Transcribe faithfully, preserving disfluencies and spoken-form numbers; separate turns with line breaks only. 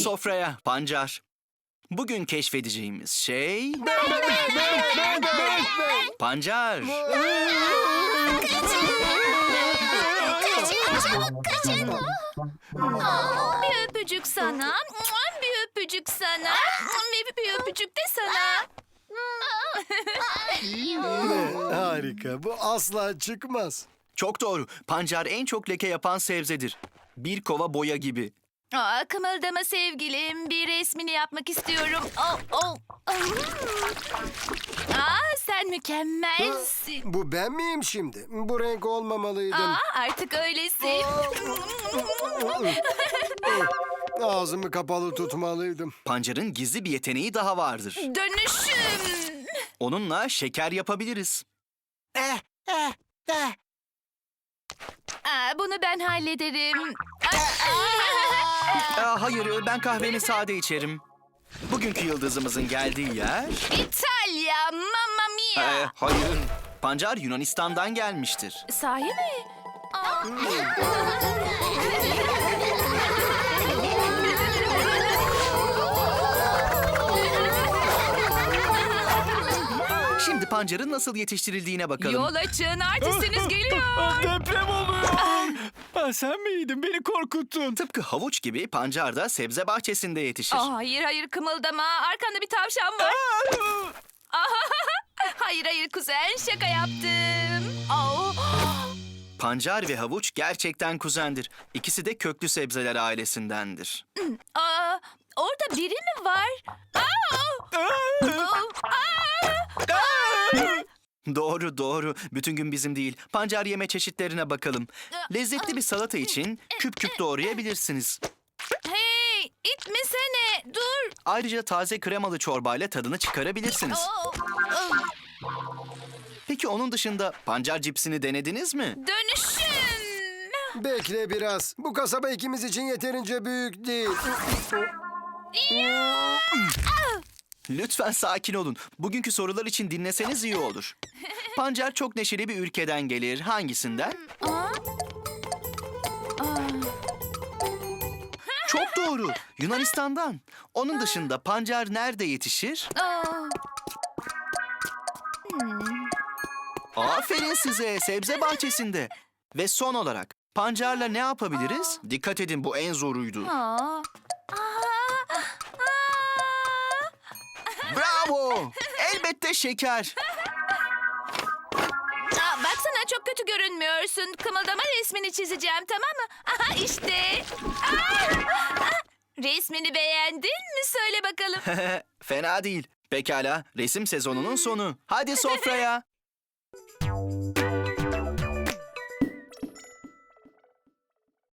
sofraya Pancar. Bugün keşfedeceğimiz şey... Pancar.
Bir öpücük sana, bir öpücük sana, bir, bir öpücük de sana.
Harika. Bu asla çıkmaz.
Çok doğru. Pancar en çok leke yapan sebzedir. Bir kova boya gibi.
Aa, kımıldama sevgilim, bir resmini yapmak istiyorum. Oh, oh. Aa, sen mükemmelsin.
Bu ben miyim şimdi? Bu renk olmamalıydım.
Aa, artık öylesin.
Ağzımı kapalı tutmalıydım.
Pancar'ın gizli bir yeteneği daha vardır.
Dönüşüm.
Onunla şeker yapabiliriz.
Eh, eh, eh.
Aa, bunu ben hallederim.
Aa, hayır, ben kahvemi sade içerim. Bugünkü yıldızımızın geldiği yer...
İtalya, mamma mia.
Ee, hayır, Pancar Yunanistan'dan gelmiştir.
Sahi mi? Aa.
Şimdi Pancar'ın nasıl yetiştirildiğine bakalım.
Yol açın, artistiniz geliyor.
Deprem oluyor. Ha, sen miydin? Beni korkuttun.
Tıpkı havuç gibi Pancar da sebze bahçesinde yetişir.
Aa, hayır hayır kımıldama, arkanda bir tavşan var. Aa, hayır hayır kuzen, şaka yaptım. Aa.
Pancar ve havuç gerçekten kuzendir. İkisi de köklü sebzeler ailesindendir.
Aa, orada biri mi var? Aa!
Doğru doğru. Bütün gün bizim değil. Pancar yeme çeşitlerine bakalım. Lezzetli bir salata için küp küp doğrayabilirsiniz.
Hey, itmesene, dur.
Ayrıca taze kremalı çorbayla tadını çıkarabilirsiniz.
Aa,
Peki onun dışında pancar cipsini denediniz mi?
dönüşüm.
Bekle biraz. Bu kasaba ikimiz için yeterince büyük değil.
Lütfen sakin olun. Bugünkü sorular için dinleseniz iyi olur. Pancar çok neşeli bir ülkeden gelir. Hangisinden?
Aa,
Çok doğru. Yunanistan'dan. Onun dışında pancar nerede yetişir?
aa.
Aferin size. Sebze bahçesinde. Ve son olarak pancarla ne yapabiliriz? Dikkat edin, bu en zoruydu.
Aa. Aa.
Bravo! Elbette şeker.
Aa, baksana çok kötü görünmüyorsun. Kımıldama resmini çizeceğim, tamam mı? Aha işte. Aa! Resmini beğendin mi? Söyle bakalım.
Fena değil. Pekala, resim sezonunun sonu. Hadi sofraya.